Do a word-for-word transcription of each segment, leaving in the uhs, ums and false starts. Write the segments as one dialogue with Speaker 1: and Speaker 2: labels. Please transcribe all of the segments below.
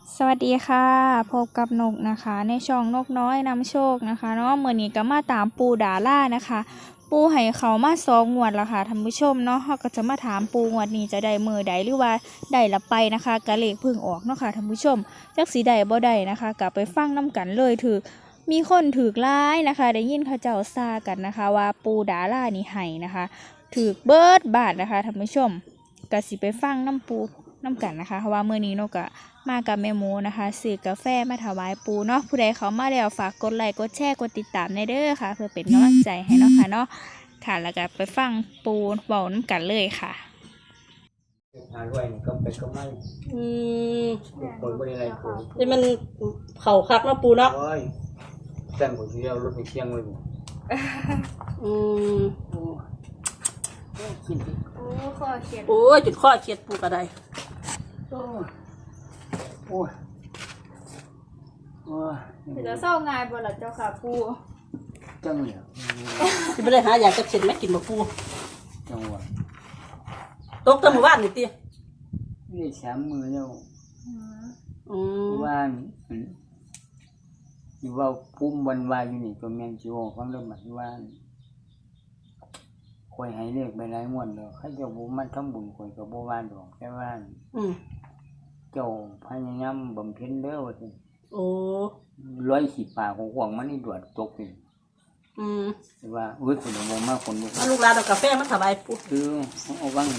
Speaker 1: สวัสดีค่ะพบกับนกนะคะในช่องนกน้อยนำโชคนะคะเนาะเมื่อนี้ก็มาตามปูดาล่านะคะปูให้เขามาสองงวดแล้วค่ะท่านผู้ชมเนาะเขาก็จะมาถามปูงวดนี้จะได้มือใดหรือว่าได้ละไปนะคะกะเลขพึ่งออกเนาะค่ะท่านผู้ชมจักสีใดบ่ได้นะคะกลับไปฟังน้กันเลยถือมีคนถือร้ายนะคะได้ยินเขาเจ้าซากันนะคะว่าปูดาล่านี่ให้นะคะถือเบิดบาทนะคะท่านผู้ชมก็สิไปฟังน้ำปูน้ำกันนะคะเพราะว่าเมื่อนี้นกอะมากับแม่หมูนะคะซื้อกาแฟมาถวายปูเนาะผู้ใดเขามาแล้วฝากกดไลค์กดแชร์กดติดตามในเด้อค่ะเพื่อเป็นกำลังใจให้เนาะค่ะเนาะค่ะแล้วก็ไปฟังปูเบาน้ำกันเลยค่ะ
Speaker 2: หาด้วยนี่ก็ไปก็ไม่
Speaker 3: อืม
Speaker 2: คนบริไรกู
Speaker 3: นี่มันเข่าคักเนาะปูเนาะ
Speaker 2: โอ้ยแต่งผมที่เอารถไปเชียงเลยผม
Speaker 3: อืม
Speaker 2: โอ้กินดิ
Speaker 1: โอ้ข้อเขียน
Speaker 3: โอ้ยจุดข้อเขียดปูกระได
Speaker 2: โอ้ยโอ้ยโอ้ย
Speaker 1: ถือจะเศร้างานบ่ล่ะเจ้าค่ะปู
Speaker 2: จังเลย
Speaker 3: ที่ไม่ได้หาอยากจะเช็ดไม่กินมาปู
Speaker 2: จังหวะ
Speaker 3: ตกตะหมู่บ้านนี่ตี
Speaker 2: นี่สามมือแล้ว
Speaker 3: อืม
Speaker 2: ว่านอยู่ว่าพุ่มวันวายอยู่นี่ตัวแมนจิโอฟังเริ่มมาที่ว่าคอยให้เรียกไปหลายม้วนเลยข้าเจ้าบุมันทำบุญคอยกับบัวานดอกแค่ว่า
Speaker 3: อืม
Speaker 2: เจ้าพยายามบำเพ็ญเด้อว่าสิ
Speaker 3: โอ้
Speaker 2: ร้อยขีดปากของห่วงมันนี่ดวดตกนี่
Speaker 3: อืม
Speaker 2: แต่ว่าเว้ยคนมองมากคนบุก
Speaker 3: เอาลูกหลานเอากาแฟมาถวายปู
Speaker 2: คือเอาบ้าง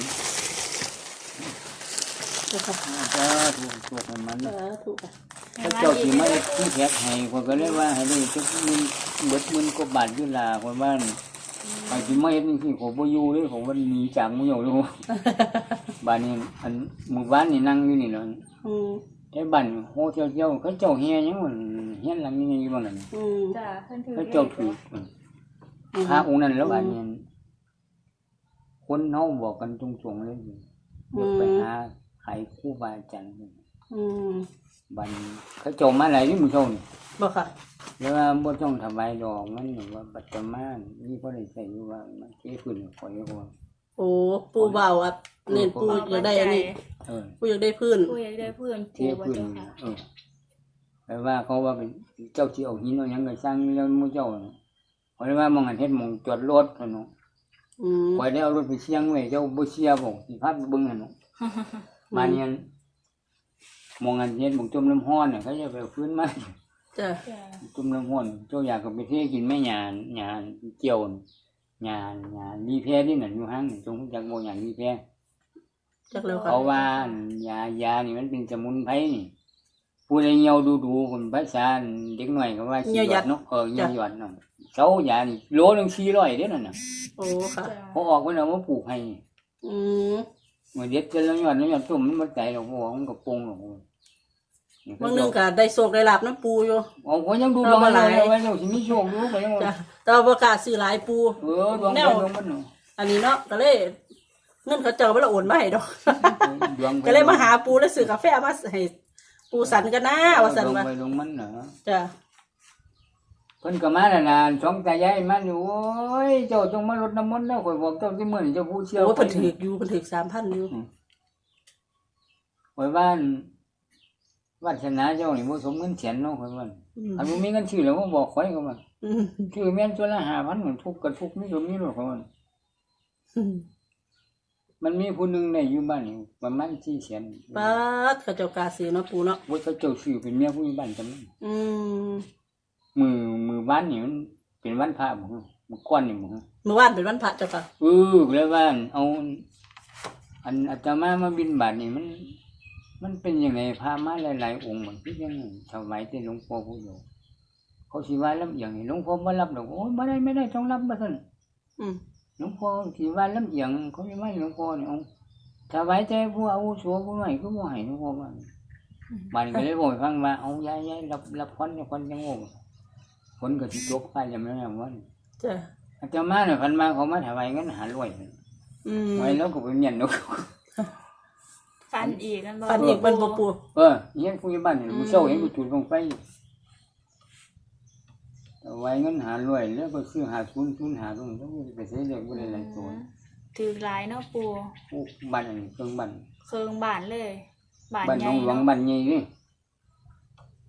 Speaker 3: เจ้าค่ะ
Speaker 2: จะถูกถูกมัน
Speaker 3: เออถูกค่ะ
Speaker 2: ถ้าเจ้าที่ไม่ที่แท็กให้คนก็เลยว่าให้ได้ทุกมือเบิดมือก็บาดยุลาคนบ้านไอ้ที่ไม่เห็นนี่ผมบ่อยู่เลยผมว่าหนีจากมืออยู่เลยบ้านนี้อันหมู่บ้านนี่นั่งอยู่นี่เนาะ
Speaker 3: อืม
Speaker 2: ไอ้บ้านโฮเที่ยวเที่ยวเขาเจ้าเฮียยังมันเฮียหลังนี้อยู่บ้านนั้น
Speaker 3: อืม
Speaker 1: จ้าเพิ่นถือ
Speaker 2: เขาเจ้าถูกพระองค์นั้นแล้วบ้านนี้คนเฮาบอกกันตรงๆเลยไปหาไขครูบาอาจารย์
Speaker 3: อืม
Speaker 2: บันเขาโจมมาหลายที่มือโจม
Speaker 3: บอกค่ะ
Speaker 2: แล้วว่าบ่ต้องทำลายดอกมันหรือว่าปัจจุบันนี่ก็ได้ใส่อยู่ว่ามันเทพื้นคอยว่า
Speaker 3: โอ้ปูเบาอ่ะเน้นปูอยากได้อันนี้
Speaker 2: เออ
Speaker 3: ปูอยากได้พื้น
Speaker 1: ปูอยากได้เพื่อน
Speaker 2: เท
Speaker 1: ปูว่า
Speaker 2: พื้น
Speaker 1: เจ้าค่ะ
Speaker 2: เออแปลว่าเขาว่าเป็นเจ้าที่เอาหินเอาหยังก็สร้างแล้วมือเจ้าเพราะว่ามองหันเฮ็ดมองจอดรถเนาะ
Speaker 3: อืม
Speaker 2: คอยได้เอารถไปเชียงไว้เจ้าบ่เชียบ่สิพาไปเบิ่งหั่นเนาะมาเนี่ยมองหันเฮ็ดมองจมน้ำร้อนน่ะเขาจะไปฟื้นมา
Speaker 3: จ้ะ
Speaker 1: จ้า
Speaker 2: จุ่มน้ำห้อนเจ้าอยากก็ไปเทกินแม่หยาหยาเกี่ยวหยาหยาลีแพนี่น่ะอยู่ห้างจงจากโมหยาลีแพ
Speaker 3: จักแล้วค่ะ
Speaker 2: เพราะว่ายายานี่มันเป็นสมุนไพรนี่ผู้ใดเหี่ยวดูดูคนภาษาเด็กหน่อยก็ว่าสิหยอดเนาะเออเหี่ยวหยอดเนาะเสายานี่โลนึงสี่ร้อยเด้อนั่นน่ะ
Speaker 3: โอ้ค่ะ
Speaker 2: พอออกไปแล้วมาปลูกให้
Speaker 3: อืม
Speaker 2: เมื่อเด็ดจะแล้วหยอดแล้วหยอดตุ่มมันบ่ใจหรอกบ่มันก็ปรุงหรอก
Speaker 3: บางนึงก็ได้โชคได้ลาบน้ำปูอยู่
Speaker 2: อ๋อก็ยังดูดวงอะไรไว้เดี๋ยวสิมีโชคอยู่ก็ยัง
Speaker 3: จ้ะแต่ว่าประกล้าศซื้อหลายปู
Speaker 2: เออดวงดวงมันเนาะ
Speaker 3: อันนี้เนาะก็เลยเงินเขาเจ้าไม่ละโอนมาให้ดอก
Speaker 2: ดวง
Speaker 3: ก็เลยมาหาปูแล้วซื้อกาแฟมาให้ปูสันกันนะว่าสัน
Speaker 2: ลง
Speaker 3: มา
Speaker 2: ไปลงมันเหรอ
Speaker 3: จ้ะ
Speaker 2: เพิ่นก็มาแล้วนะสองตายายมันอยู่โอ้ยเจ้าจงมารดน้ำมนต์แล้วข่อยบอกเจ้าที่มื้อนี้เจ้าผู้เชี่ยว
Speaker 3: โอ้เพิ่นถือกอยู่เพิ่นถือกสามพันอยู่
Speaker 2: ข่อยบ้านวาสนาเจ้านี่บ่สมเงินแสนเนาะข่อยว่า
Speaker 3: อืม
Speaker 2: อันบ่มีเงินซื้อแล้วบ่บอกข่อยก็ว่า
Speaker 3: อืม
Speaker 2: ซื้อแม่นตัวละห้าพันมันทุกข์ก็ทุกข์มีสมมีโลดข่อยว่า
Speaker 3: อืม
Speaker 2: มันมีผู้หนึงได้อยู่บ้านนี่ประมาณสี่แสน
Speaker 3: ป้าดเขาเจ้ากล้าซื้อเนาะปูเนาะ
Speaker 2: ว่าเขาเจ้าซื้อเป็นเมียผู้ใหญ่บ้านจำนั้น
Speaker 3: อืม
Speaker 2: มือมือบ้านนี่มันเป็นวันพระบ่มื้อก่อนนี่บ่
Speaker 3: เมื่อวานเป็นวันพระเจ้าค่ะ
Speaker 2: เออแล้วว่าเอาอันอาตมามาบินบาทนี่มัน มันเป็นยังไงพามาหลายๆองค์เหมือนที่ยังถวายที่หลวงพ่อผู้อยู่เขาสิว่าลำเอียงนี่หลวงพ่อบ่รับดอกโอ้ยบ่ได้ไม่ได้ต้องรับบ่ซั่น
Speaker 3: อืม
Speaker 2: หลวงพ่อสิว่าลำเอียงเขาสิว่าหลวงพ่อนี่เอาถวายใจผู้อาวุโสผู้ใหญ่ก็บ่ให้หลวงพ่อว่าบ้านก็เลยบอกให้ฟังว่าเอายายๆรับรับคนคนจังโง่คนก็สิตกไปจำานั้นว่า
Speaker 3: จ้ะ
Speaker 2: อาตมาเนี่ยพันมาเขามาถวายเงินหาร้อย
Speaker 3: อืม
Speaker 2: ไว้แล้วก็ไปเมียนนก
Speaker 1: ฟันอีกกันบ่
Speaker 3: ปันอีกเป็นบ่ปู
Speaker 2: เออเห็นผู้ใหญ่บ้านเนี่ยผู้เช่าเห็นผู้จุดลงไปเอาไว้เงินหารวยแล้วก็ซื้อหาทุนทุนหาตรงแล้วไปเสียเด็กบ่ได้หลายตัว
Speaker 1: ถือหลายเนาะปู
Speaker 2: พวกบ้านอันเครื่องบ้าน
Speaker 1: เคืองบ้านเลยบ้าน
Speaker 2: บ้าน
Speaker 1: ให
Speaker 2: หน
Speaker 1: ญ่
Speaker 2: องหลวง
Speaker 1: เนาะ
Speaker 2: บ้านใหญ่นี่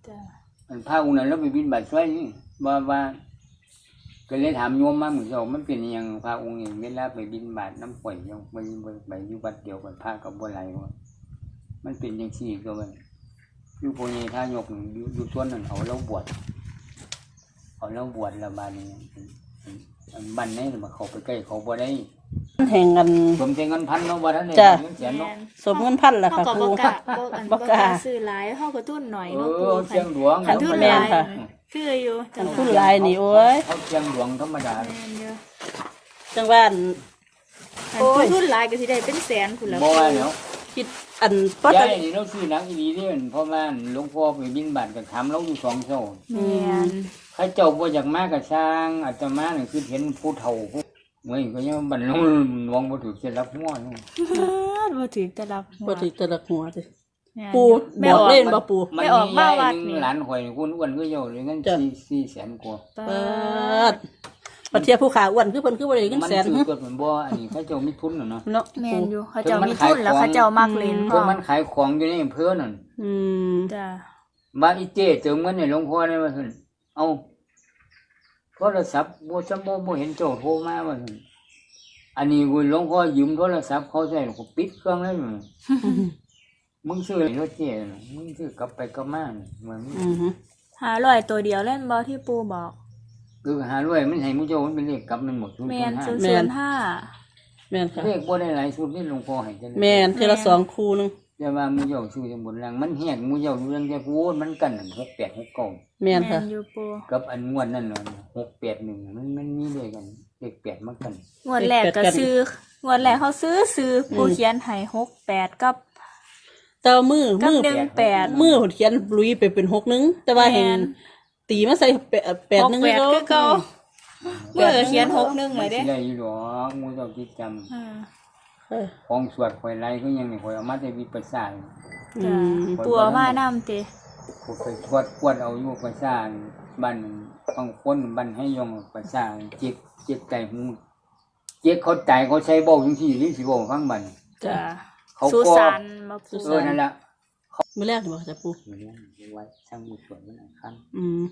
Speaker 1: จ้ะ
Speaker 2: อันพระองค์นั้นเราไปบินบาตช่วยนี่ว่าว่าก็เลยถามโยมมาเหมือนกันมันเป็นอยังพระองค์เองเวลาไปบินบาตน้ำป่อยยังไปไปอยู่วัดเดียวกันพระกับบัวไหลว่ามันเป็นอย่างสี่ก็มันอยู่โพธิ์ท่ายกอยู่อยู่ต้นนั้นเอาเราบวชเอาเราบวชแล้วบานี้บันนี้มาเขาไปใกล้เขาบ่ได้
Speaker 3: แห่งกัน
Speaker 2: สมเงินพันเนาะบ่ทันได้
Speaker 3: จ้ะ
Speaker 2: เงินแสนเนาะ
Speaker 3: สมเงินพันล่ะ
Speaker 1: เฮา
Speaker 3: ค่ะ
Speaker 1: ก็
Speaker 3: ปู
Speaker 1: บ่กล้าบ่อัน
Speaker 3: บ่
Speaker 1: บ่
Speaker 3: ก
Speaker 1: ก
Speaker 3: ล้า
Speaker 1: ล้าซื้อหลายเฮาก็ทุนหน่อย
Speaker 2: เอ
Speaker 1: เนาะ
Speaker 2: อ
Speaker 1: ปู่
Speaker 2: เชียงหลวง
Speaker 1: คันทุนห
Speaker 3: แม่
Speaker 1: ลาน ย
Speaker 3: ค่ะ
Speaker 1: คืออยู่จัง
Speaker 3: ทุนหลายนี่โอ้ย
Speaker 2: เขาเชียงหลวงธรรมดา
Speaker 1: แม่นอยู่
Speaker 3: จังหวัด
Speaker 1: คันผู้ทุนหลายก็สิได้เป็นแสนพุ่นล่ะ
Speaker 2: บ่ว่าแล้ว
Speaker 3: คิดอันปก
Speaker 2: ยาย
Speaker 3: ติ
Speaker 2: นี่เราซื้อหนังอีหลีนี่มันเพราะว่าหลวงพ่อไปบินบาตก็ถามเราอยู่สองเจ้า
Speaker 1: แม่น
Speaker 2: ใครเจ้าบ่อยากมาก็สร้างอาตมานี่คือเห็นผู้เฒ่าผู้เมื่อยก็ยังบรรลุหลวงบ่ถูกเสร็จรับหัวนี่
Speaker 1: บ่ถึงจะรับหัว
Speaker 3: ปกติแต่ละหัวสิ
Speaker 1: แม่น
Speaker 3: ปู
Speaker 1: แม่
Speaker 3: บ
Speaker 1: อ
Speaker 3: อก
Speaker 1: อก
Speaker 3: เล่นบ่ปู
Speaker 2: มัน
Speaker 1: ไม่ออก
Speaker 2: มี
Speaker 1: มาวั
Speaker 2: ยา
Speaker 1: ด
Speaker 2: ยห
Speaker 1: นี่
Speaker 2: นึ่งหลานข่อยนี่อ้วนๆก็เจ้าเลยเงิน
Speaker 3: จ้ะ
Speaker 2: สี่สี่แสนกว่า
Speaker 1: ปา
Speaker 3: เปิดปฏิเทียผู้ขาอ้วนคือเพิ่นคือบ่ได้เงิน
Speaker 2: มัน
Speaker 3: แสน
Speaker 2: ซื้อ
Speaker 3: หึ
Speaker 2: ตัวเหมือนบ่อันนี้เขาเจ้ามีทุนน่ะเนาะ
Speaker 3: เนาะ
Speaker 1: แม่
Speaker 3: ปู
Speaker 1: นอยู่เขาเจ้ามีทุนแล้วเขาเจ้ามักเล่นพ
Speaker 2: เพิ่
Speaker 1: อน
Speaker 2: มันขายของอยู่ในอำเภอนั่น
Speaker 3: อืม
Speaker 1: จ้ะ
Speaker 2: บ้านอีเจ้เติมเงินให้หลวงพ่อได้ว่าซั่นเอาโทรศัพท์บ่จำบ่บ่เห็นเจ้าโทรมาว่าซั่นอันนี้กูหลวงพ่อยืมโทรศัพท์เขาใช้แล้วก็ปิดเครื่องเลยมึงมึงซื้อให้รถเจ้น่ะมึงซื้อกลับไปกลับมาน่ะเหมือน
Speaker 3: อือฮึ
Speaker 1: หาร้อยตัวเดียวเล่นบ่ที่ปูบอก
Speaker 2: คือหาด้วยมันให้มูเจ้ามันเป็นเลขกลับมันหมดทุน
Speaker 1: แม่น
Speaker 2: ห้า
Speaker 1: ศูนย์ห้า
Speaker 3: แม่นค่ะ
Speaker 2: เลขบ่ได้หลายสุดนี่หลวงพ่อให้จัง
Speaker 3: แม่นเทอละสองคู่นึง
Speaker 2: แต่ว่ามูเจ้าซื้อจังบนล่างมันแหกมูเจ้าอยู่เรื่องแค่พูดมันกันนั่นหกแปดหกเก้า
Speaker 3: แม่นค่ะ
Speaker 1: อยู่ปู
Speaker 2: กับอันงวดนั่นน่ะหกแปดหนึ่งมันมันมีเลขกันเลขแปดมากัน
Speaker 1: งวดแรกก็ซื้องวดแรกเขาซื้อซื้อปูเขียนให้หกแปดกับ
Speaker 3: แต่ว่ามือ
Speaker 1: กับ
Speaker 3: มือ
Speaker 1: หนึ่งแปด
Speaker 3: มือเขียนลุยไปเป็นหกนึงแต่ว่าเห็น
Speaker 1: แม่น
Speaker 3: ตีมาใส่แปดแปด
Speaker 1: หก
Speaker 3: นึง
Speaker 1: แปด
Speaker 3: ก็
Speaker 1: คือเก่าเมื่อเขียนหกหนึ่ง
Speaker 2: มั
Speaker 1: ไว้
Speaker 2: น
Speaker 1: เด้
Speaker 2: สิได้อยู่ดอกมูเจ้าคิดจ
Speaker 1: อ่า
Speaker 3: ค่ะ
Speaker 2: ำของสวดข่อยไรก็ยังนี่ข่อยเอามาแต่วิปัสสนา
Speaker 3: อื
Speaker 1: จ้ะ
Speaker 3: ม
Speaker 1: ปูเอามาน้ำติ
Speaker 2: ข่อยไปสวดกวดเอาอยู่ปัสสนาบ้านบางคนบ้านให้ยองปัสสนาเจ็บเจ็บใจหูเจ็บเขาใจเขาใช้เบ้าจังซี่หรือสิเว้าฟังบัด
Speaker 1: จ้ะ
Speaker 2: เขา
Speaker 1: สุ
Speaker 2: ก็
Speaker 1: สานมาปู
Speaker 2: เออนั่นล่ะ
Speaker 3: มื้อแรกนี่บ่จะปู
Speaker 2: อยู่เนี่ยเอาไว้ช่างมือสวดมันอันคัน
Speaker 3: อืม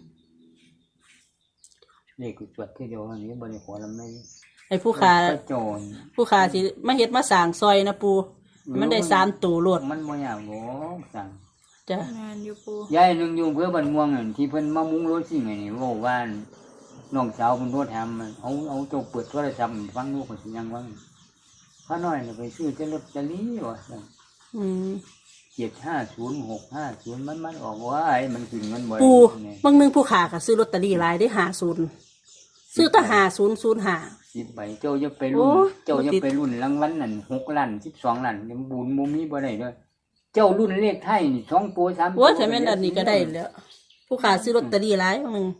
Speaker 2: เลขกูสวดคือเดียวอันนี้บ่ได้ขอลำไม่
Speaker 3: ไอ้ผู้ขา
Speaker 2: พระโจร
Speaker 3: ผู้ขาสิมาเฮ็ดมาสร้างซอยนะปูมันได้สามตัวโลด
Speaker 2: มันบ่ยากหรอกสั่ง
Speaker 3: จ้ะ
Speaker 1: งานอยู่ปู
Speaker 2: ยายหนึงอยู่อำเพื่อบ้านม่วงนั่นที่เพิ่นมามุงรถสิไงนี่เว้าว่าน้องสาวเพิ่นโทรถามมันเอาเอาเจ้าเปิดโทรศัพท์ฟังลูกก็สิยังว่าพระน้อยน่ะไปซื้อแต่ลอตเตอรี่ว่าซั่น
Speaker 3: อืม
Speaker 2: เจ็ดห้าศูนย์หกห้าศูนย์มันมันออกว่าไอ้มันขึ้นเงินบ่ได้
Speaker 3: ปู
Speaker 2: นี่
Speaker 3: บางนึงผู้ขาก็ซื้อลอตเตอรี่หลายได้ห้าศูนย์ซื้อแตั้งห้าศูนย์ศูนย์ห้า
Speaker 2: สิบใบเจ้าจะไปรุ่น
Speaker 3: โอ้
Speaker 2: เจ้าจะ
Speaker 3: บ่ติด
Speaker 2: ไปรุ่นรางวัลนั่นหกล้านสิบสองล้านยังบุญบ่มีบ่ได้เด้อเจ้ารุ่นเลขไทยนี่สองตัวสามตัว
Speaker 3: โอ้ยถ้าแม่นอันนี้ก็ได้แล้ว ผู้ขาซื้อลอตเตอรี่หลายบางนึง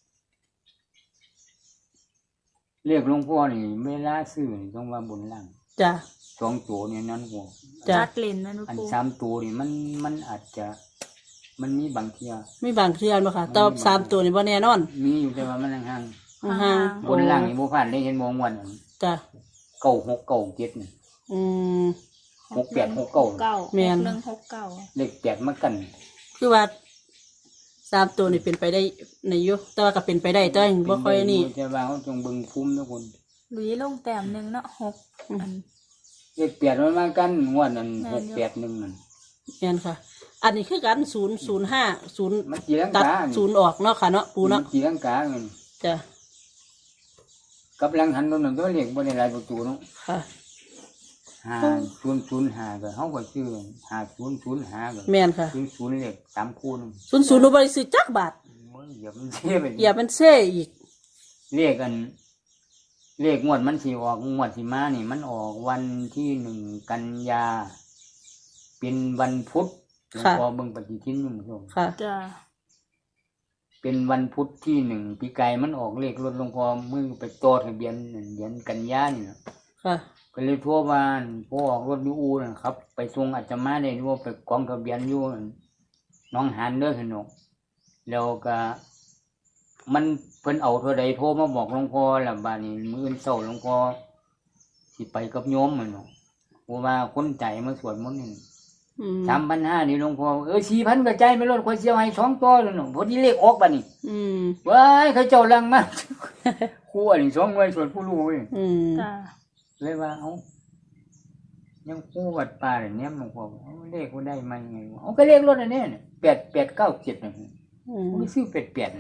Speaker 2: เลขหลวงพ่อนี่เวลาซื้อนี่ต้องว่าบนล่าง
Speaker 3: จ้ะ
Speaker 2: สองตัวนี่นั่นหัว
Speaker 3: จ้ะ
Speaker 1: จัดเล่นนะนุ
Speaker 2: อัน
Speaker 1: ปู
Speaker 2: สามตัวนี่มันมันอาจจะมันมีบางเทีย
Speaker 3: มีบางเทื่อนบ่ค่ะแต่ว่าสามตัวนี่บ่แน่นอน
Speaker 2: มีอยู่แต่ว่ามันห่าง
Speaker 3: ห่าง
Speaker 2: ๆบนล่างนี่บ่ผ่านได้เห็นมองวันอัน
Speaker 3: จ้ะ
Speaker 2: เก้าหกเก้าเจ็ดนี่
Speaker 3: อืม
Speaker 2: หกแปดหกเก้า
Speaker 1: เก้า
Speaker 3: แม่น
Speaker 1: หกหนึ่งหกเก้า
Speaker 2: เลขแปดมากัน
Speaker 3: คือว่าสามตัวนี่เป็นไปได้ในยุแต่ว่าก็เป็นไปได้แต่ว่าบ่ค่อยนี่
Speaker 2: แต่ว่าเขาจงเบิ่งภูมิทุกคน
Speaker 1: หลุยลงแต้มหนึ่งเนาะหกอัน
Speaker 2: เลขแปดมันมากันงวดนั้น
Speaker 1: แม่
Speaker 2: ห
Speaker 1: น
Speaker 2: ก
Speaker 1: อยู่
Speaker 2: แปดหนึ่งนั่น
Speaker 3: แม่นค่ะ อันนี้คือกันศูนย์ศูนย์ห้าศูนย์
Speaker 2: มันจีรัง
Speaker 3: ตัด
Speaker 2: กา
Speaker 3: ศูนย์ออกเนาะค่ะเนาะปูเนาะ
Speaker 2: มันจีรังกาเงิน
Speaker 3: จ้ะ
Speaker 2: กับหลังหันตรงนั้นตัวเลขบ่ได้หลายประตูเนาะ
Speaker 3: ค่ะ
Speaker 2: ห้าศูนย์ศูนย์ห้าก็เฮาก็ชื่อห้าศูนย์ศูนย์ห้าก็
Speaker 3: แม่นค่ะ
Speaker 2: ศูนย์ศูนย์เลขสามคูณ
Speaker 3: ศูนย์ศูนย์หนูบริสุทธิ์จักบาท
Speaker 2: โอ้ยอย่ามันเสียไป
Speaker 3: อย่าเป็นเซ่อีก
Speaker 2: เลขกัน เลขงวดมันสิออกงวดสิมานี่ มันออกวันที่หนึ่งกันยา เป็นวันพุธหลวง
Speaker 3: ค่ะ
Speaker 2: พ่อเบิ่งปฏิทินหนึ่งส่ง
Speaker 3: ค่ะ
Speaker 1: จ้ะ
Speaker 2: เป็นวันพุธที่หนึ่งปีไก่มันออกเลขรถหลวงพ่อมือไปต่อทะเบียนนั่นเดือนกันยานี่นะ
Speaker 3: ค่ะ
Speaker 2: ก็เลยทั่วบ้านพ่อออกรถอยูอูนะครับ ไปส่งอาจจะมาได้ด้วยไปกองทะเบียนอยู่หน้องหานเด้อสนุกแล้วก็มันเพิ่นเอาเท่าใดโทรมาบอกหลวงพ่อแล้วบ้านนี้มื้ออื่นเช้าหลวงพ่อสิไปกับโยมมันเนาะเพราะว่าคนใจมาสวดมนต์นี่
Speaker 3: อืม
Speaker 2: สามพันห้านี่หลวงพ่อเออสี่พันก็ใจายไปรถข่อยเสียวให้สองต่อแล้วเนาะพอดีเลขออกบัดนี้
Speaker 3: อืม
Speaker 2: ว้ายเขาเจ้าลังมาก ครูอันนี้สองหน่วยส่วนผู้รู้เว้ย
Speaker 3: อืม
Speaker 1: จ้า
Speaker 2: เลยว่าเอ้ายังครูวัดป่าเนี่ยหลวงพ่อเอาเลขกูได้มายังไงวะเอาก็เลขรถอันเนี้ยแปดแปดเก้าเจ็ดนะ
Speaker 3: อืม
Speaker 2: ผมซื้อแปดแปดนะ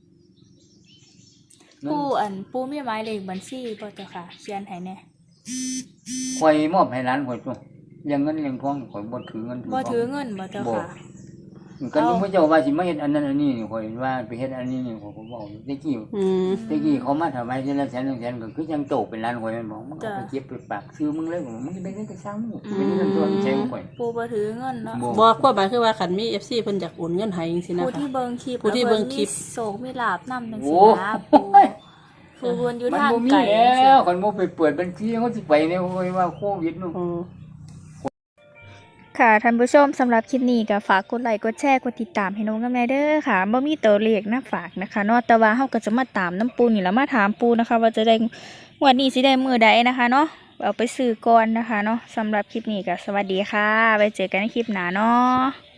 Speaker 1: ปูอันปูมีหมายเลขบัญชีบ่เจ้าค่ะเขียนให้แหน่
Speaker 2: ข่อยมอบให้ร้านข่อยตัวเลี้ยงเงินเลี้ยงทองข่อยบ่ถือเงิน
Speaker 1: บ่
Speaker 2: ท
Speaker 1: ถื
Speaker 2: อ
Speaker 1: อง เงินบ่เจ้าค่ะ
Speaker 2: ก็ยังพระเจ้าว่าสิมาเฮ็ดอันนั้นอันนี้นี่ข่อยว่าไปเฮ็ดอันนี้นี่ข่อยก็บอกตะกี้
Speaker 3: อืม
Speaker 2: ตะกี้เขามาถวายทีละแสนหนึ่งแสนก็คือยังโตเป็นล้านข่อยแม่นบอกมึงเอาไปเก็บไปฝากซื้อมึงเลยบอกมึงจะไปเฮ็ดไปซ้ำเป็นเงินตัวใช้ข่อย
Speaker 1: ปูบ่ถือเงินเนาะ
Speaker 3: บ่ความหมายคือว่าคันมี เอฟ ซี เพิ่นอยากโอนเงินให้จังซี่นะ
Speaker 1: ผู้
Speaker 3: คะ
Speaker 1: ที่เบิ่งคลิป
Speaker 3: ผู้ที่เบิ่งคลิป
Speaker 1: แล้วเพิ่นมีโศกมีลาบนำจัง
Speaker 2: โอ้
Speaker 1: ซี่นะปูผู้เพิ่นอยู่
Speaker 2: มัน
Speaker 1: ทาง
Speaker 2: บ่มี
Speaker 1: ไกล
Speaker 2: แล้วคนบ่ไปเปิดบัญชีเขาสิไปเนี่ยข่อยว่าโควิดนู่น
Speaker 3: อืม
Speaker 1: ค่ะท่านผู้ชมสำหรับคลิปนี้ก็ฝากกดไลค์กดแชร์กดติดตามให้น้องกับแม่เด้อค่ะบ่มีตัวเลขนะฝากนะคะเนาะแต่ว่าเฮาก็จะมาตามน้ำปูนี่แล้วมาถามปูนะคะ ว่าจะได้งวันนี้สิได้มื้อใดนะคะเนาะเอาไปซื้อก่อนนะคะเนาะสำหรับคลิปนี้ก็สวัสดีค่ะไว้เจอกันในคลิปหน้าเนาะ